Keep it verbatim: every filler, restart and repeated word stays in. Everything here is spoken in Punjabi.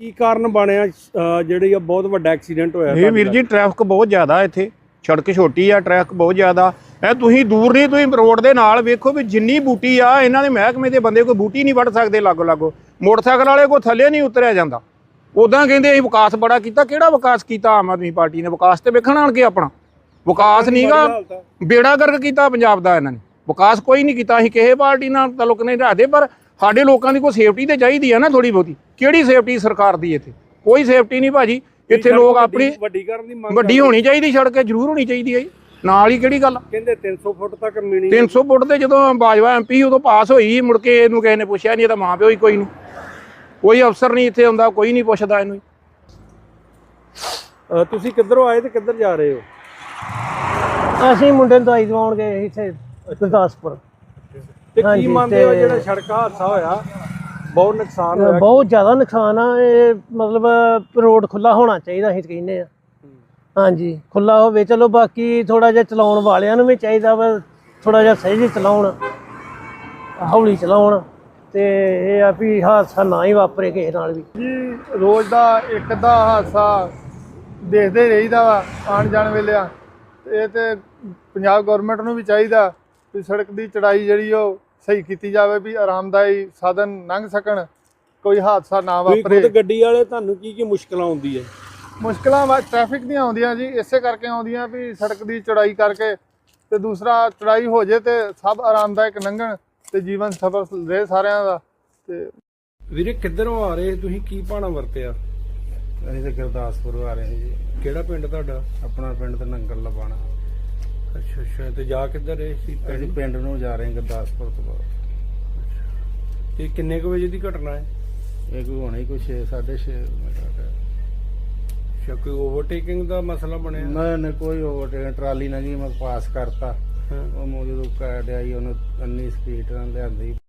ਕੀ ਕਾਰਨ ਬਣਿਆ ਜਿਹੜੀ ਆ ਬਹੁਤ ਵੱਡਾ ਐਕਸੀਡੈਂਟ ਹੋਇਆ? ਇਹ ਵੀਰ ਜੀ ਟ੍ਰੈਫਿਕ ਬਹੁਤ ਜ਼ਿਆਦਾ ਇੱਥੇ, ਸੜਕ ਛੋਟੀ ਆ, ਟ੍ਰੈਫਿਕ ਬਹੁਤ ਜ਼ਿਆਦਾ ਐ। ਤੁਸੀਂ ਦੂਰ ਨਹੀਂ, ਤੁਸੀਂ ਰੋਡ ਦੇ ਨਾਲ ਵੇਖੋ ਵੀ ਜਿੰਨੀ ਬੂਟੀ ਆ, ਇਹਨਾਂ ਦੇ ਮਹਿਕਮੇ ਦੇ ਬੰਦੇ ਕੋਈ ਬੂਟੀ ਨਹੀਂ ਵੱਢ ਸਕਦੇ ਲਾਗੋ ਲਾਗੋ। ਮੋਟਰਸਾਈਕਲ ਵਾਲੇ ਕੋਈ ਥੱਲੇ ਨਹੀਂ ਉਤਰਿਆ ਜਾਂਦਾ। ਉੱਦਾਂ ਕਹਿੰਦੇ ਅਸੀਂ ਵਿਕਾਸ ਬੜਾ ਕੀਤਾ। ਕਿਹੜਾ ਵਿਕਾਸ ਕੀਤਾ ਆਮ ਆਦਮੀ ਪਾਰਟੀ ਨੇ? ਵਿਕਾਸ ਤੇ ਵੇਖਣ ਆਣ ਕੇ ਆਪਣਾ ਵਿਕਾਸ ਨਹੀਂਗਾ, ਬੇੜਾ ਗਰਕ ਕੀਤਾ ਪੰਜਾਬ ਦਾ ਇਹਨਾਂ ਨੇ। ਵਿਕਾਸ ਕੋਈ ਨਹੀਂ ਕੀਤਾ। ਅਸੀਂ ਕਿਸੇ ਪਾਰਟੀ ਨਾਲ ਤਾਲੁਕ ਨਹੀਂ ਰੱਖਦੇ, ਪਰ ਸਾਡੇ ਲੋਕਾਂ ਦੀ ਕੋਈ ਸੇਫਟੀ ਤੇ ਚਾਹੀਦੀ ਆ ਨਾ ਥੋੜੀ ਬਹੁਤੀ। ਕਿਹੜੀ ਸੇਫਟੀ ਸਰਕਾਰ ਦੀ ਇੱਥੇ? ਕੋਈ ਸੇਫਟੀ ਨਹੀਂ ਭਾਜੀ। ਇੱਥੇ ਲੋਕ ਆਪਣੀ ਵੱਡੀ ਕਰਨ ਦੀ ਮੰਗ, ਵੱਡੀ ਹੋਣੀ ਚਾਹੀਦੀ ਸੜਕ, ਜ਼ਰੂਰ ਹੋਣੀ ਚਾਹੀਦੀ ਹੈ ਜੀ। ਨਾਲ ਹੀ ਕਿਹੜੀ ਗੱਲ? ਕਹਿੰਦੇ ਤਿੰਨ ਸੌ ਫੁੱਟ ਤੱਕ ਮਿਣੀ। ਤਿੰਨ ਸੌ ਫੁੱਟ ਤੇ ਜਦੋਂ ਬਾਜਵਾ ਐਮ ਪੀ ਉਦੋਂ ਪਾਸ ਹੋਈ, ਮੁੜ ਕੇ ਇਹਨੂੰ ਕਿਸੇ ਨੇ ਪੁੱਛਿਆ ਨਹੀਂ। ਇਹਦਾ ਮਾਂ ਪਿਓ ਹੀ ਕੋਈ ਨਹੀਂ, ਕੋਈ ਅਫਸਰ ਨਹੀਂ ਇੱਥੇ ਆਉਂਦਾ, ਕੋਈ ਨਹੀਂ ਪੁੱਛਦਾ ਇਹਨੂੰ। ਤੁਸੀਂ ਕਿੱਧਰੋਂ ਆਏ ਤੇ ਕਿੱਧਰ ਜਾ ਰਹੇ ਹੋ? ਅਸੀਂ ਮੁੰਡੇ ਨੂੰ ਦਵਾਈ ਦਵਾਉਣ ਗਏ ਇੱਥੇ ਗੁਰਦਾਸਪੁਰ। ਤੇ ਕੀ ਮੰਨਦੇ ਹੋ ਜਿਹੜਾ ਸੜਕ ਹਾਦਸਾ ਹੋਇਆ, ਬਹੁਤ ਨੁਕਸਾਨ ਹੋਇਆ? ਬਹੁਤ ਜ਼ਿਆਦਾ ਨੁਕਸਾਨ ਆ। ਇਹ ਮਤਲਬ ਰੋਡ ਖੁੱਲਾ ਹੋਣਾ ਚਾਹੀਦਾ, ਅਸੀਂ ਕਹਿੰਦੇ ਆ। ਹਾਂਜੀ, ਖੁੱਲਾ ਹੋਵੇ ਚਲੋ। ਬਾਕੀ ਥੋੜਾ ਜਿਹਾ ਚਲਾਉਣ ਵਾਲਿਆਂ ਨੂੰ ਵੀ ਚਾਹੀਦਾ ਵਾ ਥੋੜਾ ਜਿਹਾ ਸਹੀ ਚਲਾਉਣ, ਹੌਲੀ ਚਲਾਉਣ, ਤੇ ਇਹ ਆ ਵੀ ਹਾਦਸਾ ਨਾ ਹੀ ਵਾਪਰੇ ਕਿਸੇ ਨਾਲ ਵੀ। ਜੀ ਰੋਜ਼ ਦਾ ਇੱਕ ਅੱਧਾ ਹਾਦਸਾ ਦੇਖਦੇ ਰਹੀਦਾ ਵਾ ਆਉਣ ਜਾਣ ਵੇਲੇ ਆ। ਇਹ ਤੇ ਪੰਜਾਬ ਗੌਰਮੈਂਟ ਨੂੰ ਵੀ ਚਾਹੀਦਾ ਵੀ ਸੜਕ ਦੀ ਚੜਾਈ ਜਿਹੜੀ ਉਹ ਸਹੀ ਕੀਤੀ ਜਾਵੇ, ਵੀ ਆਰਾਮਦਾਈ ਸਾਧਨ ਲੰਘ ਸਕਣ, ਕੋਈ ਹਾਦਸਾ ਨਾ ਵਾਪਰੇ। ਗੱਡੀ ਵਾਲੇ ਤੁਹਾਨੂੰ ਕੀ ਕੀ ਮੁਸ਼ਕਲਾਂ ਆਉਂਦੀ ਹੈ? ਮੁਸ਼ਕਲਾਂ ਵਾ ਟ੍ਰੈਫਿਕ ਦੀਆਂ ਆਉਂਦੀਆਂ ਜੀ, ਇਸੇ ਕਰਕੇ ਆਉਂਦੀਆਂ ਵੀ ਸੜਕ ਦੀ ਚੜਾਈ ਕਰਕੇ, ਤੇ ਦੂਸਰਾ ਚੜਾਈ ਹੋ ਜੇ ਤੇ ਸਭ ਆਰਾਮਦਾਇਕ ਲੰਘਣ ਤੇ ਜੀਵਨ ਸਫਲ ਰਹੇ ਸਾਰਿਆਂ ਦਾ। ਤੇ ਵੀਰੇ ਕਿੱਧਰੋਂ ਆ ਰਹੇ ਤੁਸੀਂ? ਕੀ ਭਾਣਾ ਵਰਤਿਆ? ਅਸੀਂ ਤਾਂ ਗੁਰਦਾਸਪੁਰ ਆ ਰਹੇ ਜੀ। ਕਿਹੜਾ ਪਿੰਡ ਤੁਹਾਡਾ? ਆਪਣਾ ਪਿੰਡ ਤੇ ਨੰਗਲ ਲਵਾਣਾ। ਅੱਛਾ ਅੱਛਾ। ਤੇ ਜਾ ਕਿੱਧਰ ਰਹੇ ਸੀ? ਅਸੀਂ ਪਿੰਡ ਨੂੰ ਜਾ ਰਹੇ ਹਾਂ ਗੁਰਦਾਸਪੁਰ ਤੋਂ ਬਾਅਦ। ਤੇ ਕਿੰਨੇ ਕੁ ਵਜੇ ਦੀ ਘਟਨਾ ਹੈ? ਇਹ ਕੋਈ ਹੋਣਾ ਹੀ ਕੋਈ ਛੇ ਸਾਢੇ ਛੇ ਮਿੰਟ। ਅੱਛਾ, ਕੋਈ ਓਵਰਟੇਕਿੰਗ ਦਾ ਮਸਲਾ ਬਣਿਆ? ਨਾ ਨਾ ਕੋਈ ਓਵਰਟੇਕ, ਟਰਾਲੀ ਨਾਲ ਜੀ ਮੈਂ ਪਾਸ ਕਰਤਾ। ਉਹ ਮੋ ਜਦੋਂ ਕਾਟ ਆਈ ਉਹਨੂੰ ਇੰਨੀ ਸਪੀਡ ਨਾਲ ਲਿਆਂਦੀ